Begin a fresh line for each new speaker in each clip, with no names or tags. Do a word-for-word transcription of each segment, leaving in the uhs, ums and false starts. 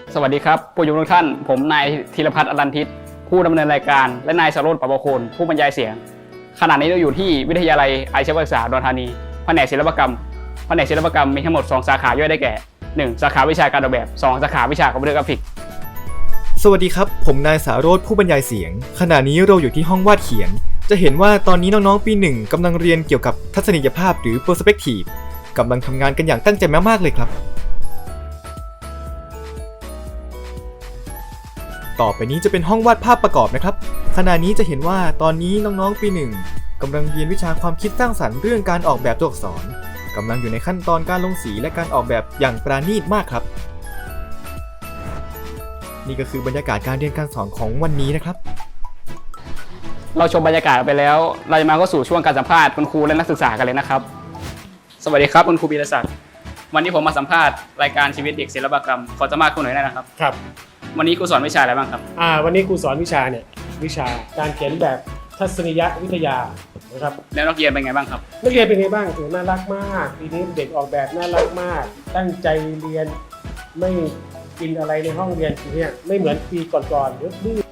สวัสดีครับผู้ชมทุกท่านผมนายธีรพัฒน์อรันทิตผู้ดำเนินรายการและนายสโรจน์ปประโคนผู้บรรยายเสียงขณะนี้เราอยู่ที่วิทยาลัยอาชีวศึกษาอุดรธานีแผนกศิลปกรรมแผนกศิลปกรรมมีทั้งหมดสองสาขาย่อยได้แก่หนึ่งสาขาวิชาการออกแบบสองสาขาวิชาคอมพิวเตอร์กราฟิก
สวัสดีครับผมนายสาโรจน์ผู้บรรยายเสียงขณะนี้เราอยู่ที่ห้องวาดเขียนจะเห็นว่าตอนนี้น้องๆปีหนึ่งกำลังเรียนเกี่ยวกับทัศนียภาพหรือ Perspective กำลังทำงานกันอย่างตั้งใจมากๆเลยครับต่อไปนี้จะเป็นห้องวาดภาพประกอบนะครับขณะนี้จะเห็นว่าตอนนี้น้องๆปีหนึ่งกำลังเรียนวิชาความคิดสร้างสรรค์เรื่องการออกแบบตัวอักษรกำลังอยู่ในขั้นตอนการลงสีและการออกแบบอย่างปราณีตมากครับนี่ก็คือบรรยากาศการเรียนการสอนของวันนี้นะครับ
เราชมบรรยากาศไปแล้วเราจะมาเข้าสู่ช่วงการสัมภาษณ์คุณครูและนักศึกษากันเลยนะครับสวัสดีครับคุณครูบีรศักดิ์วันนี้ผมมาสัมภาษณ์รายการชีวิตเด็กศิลปกรรมขอสัมภาษณ์คุณหน่อยได้นะครับ
ครับ
วันนี้ครูสอนวิชาอะไรบ้างครับ
อ่าวันนี้ครูสอนวิชาเนี่ยวิชาการเขียนแบบทัศนียวิทยานะครับ
แล้วนักเรียนเป็นไงบ้างครับ
นักเรียนเป็นไงบ้างถือน่ารักมากปีนี้เด็กออกแบบน่ารักมากตั้งใจเรียนไม่กินอะไรในห้องเรียนทีเนี้ยไม่เหมือนปีก่อนๆดื้อ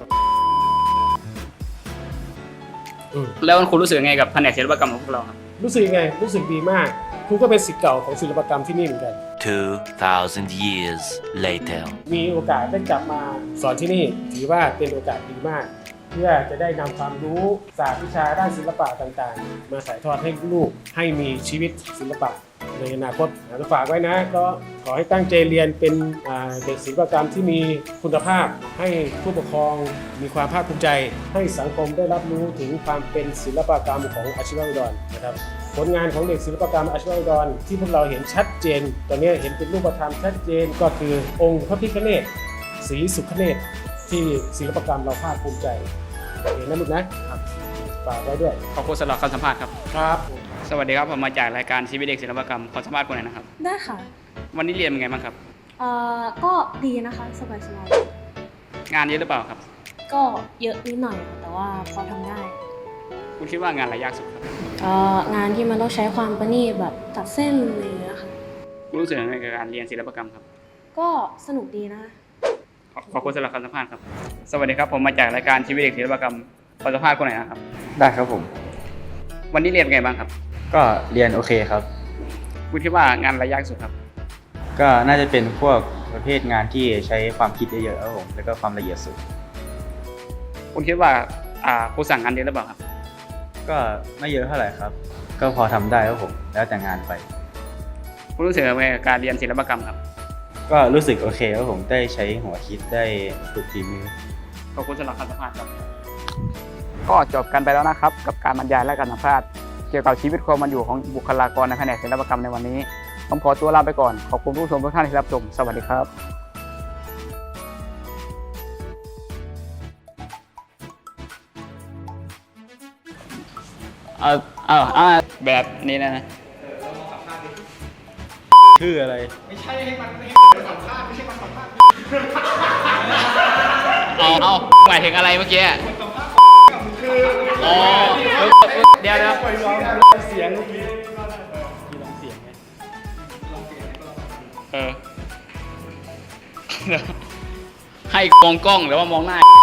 แล้วคุณครูรู้สึกยังไงกับแผนกศิลปกรรมของพวกเราครับ
รู้สึกยังไงรู้สึกดีมากครูก็เป็นศิษย์เก่าของศิลปกรรมที่นี่เหมือนกัน
two thousand years later
มีโอกาสได้กลับมาสอนที่นี่ถือว่าเป็นโอกาสดีมากเพื่อจะได้นำความรู้ศาสตร์วิชาด้านศิลปะต่างๆมาถ่ายทอดให้ลูกให้มีชีวิตศิลปะในอนาคตฝากไว้นะก็ขอให้ตั้งใจเรียนเป็นเด็กศิลปกรรมที่มีคุณภาพให้ผู้ปกครองมีความภาคภูมิใจให้สังคมได้รับรู้ถึงความเป็นศิลปกรรมของอาชีวะอุดรนะครับผลงานของเด็กศิลปกรรมอาชีวะอุดรที่พวกเราเห็นชัดเจนตอนนี้เห็นเป็นรูปธรรมชัดเจนก็คือองค์พระพิฆเนศศรีสุขเนศที่ศิลปกรรมเราภาคภูมิใจเห็นนะลูกนะครับฝากไว้ด้วย
ขอบคุณสำหรับคำสัมภาษณ์ครับ
ครับ
สวัสดีครับผมมาจากรายการชีวิตเด็กศิลปกรรมขอสัมภาษณ์คุณหน่อยนะครับ
ได้ค่ะ
วันนี้เรียนเป็นไงบ้างครับ
เอ่อก็ดีนะคะสบาย
ๆงานเยอะหรือเปล่าครับ
ก็เยอะนิดหน่อยแต่ว่าพอทำได้
คุณคิดว่างานอะไรยากสุดครับ
เอ่องานที่มันต้องใช้ความประณีตแบบตัดเส้นอะไรอย่างเงี้ยค่ะ
คุณรู้สึกยังไงกับการเรียนศิลปกรรมครับ
ก็สนุกดีนะ
ขอบคุณสำหรับคำสัมภาษณ์ครับสวัสดีครับผมมาจากรายการชีวิตเด็กศิลปกรรมขอสัมภาษณ์คุณหน่อยนะครับ
ได้ครับผม
วันนี้เรียนเป็นไงบ้างครับ
ก็เรียนโอเคครับ
คุณคิดว่างานอะไรยากสุดครับ
ก็น่าจะเป็นพวกประเภทงานที่ใช้ความคิดเยอะๆครับผมแล้วก็ความละเอียดสูง
คุณคิดว่าอ่าครูสั่งงานเยอะหรือเปล่าครับ
ก็ไม่เยอะเท่าไหร่ครับก็พอทำได้ครับผมแล้วแต่งานไป
คุณรู้สึกยังไงกับการเรียนศิลปกรรมครับ
ก็รู้สึกโอเคครับผมได้ใช้หัวคิดได้ฝึกฝีมือ
ขอบคุณสำหรับคำสัมภาษณ์ครับก็จบกันไปแล้วนะครับกับการบรรยายและการสัมภาษณ์เกี่ยวกับชีวิตความเป็นอยู่ของบุคลากรในแผนกศิลปกรรมในวันนี้ผมขอตัวลาไปก่อนขอบคุณผู้ชมทุกท่านที่รับชมสวัสดีครับเออเอออ่าแบบนี้นะ
คืออะไร
ไม่ใช่ให้มันไม่สัมภาษณ์ไม่ใช่มาสัมภาษณ์
เอาเอาหมายถึงอะไรเมื่อกี้
คือ
อ๋อเดี๋ยวนะ
ปล่อยร้องเสียงเมื่อกี้
ลองเสียงไงเออให้มองกล้องหรือว่ามองหน้า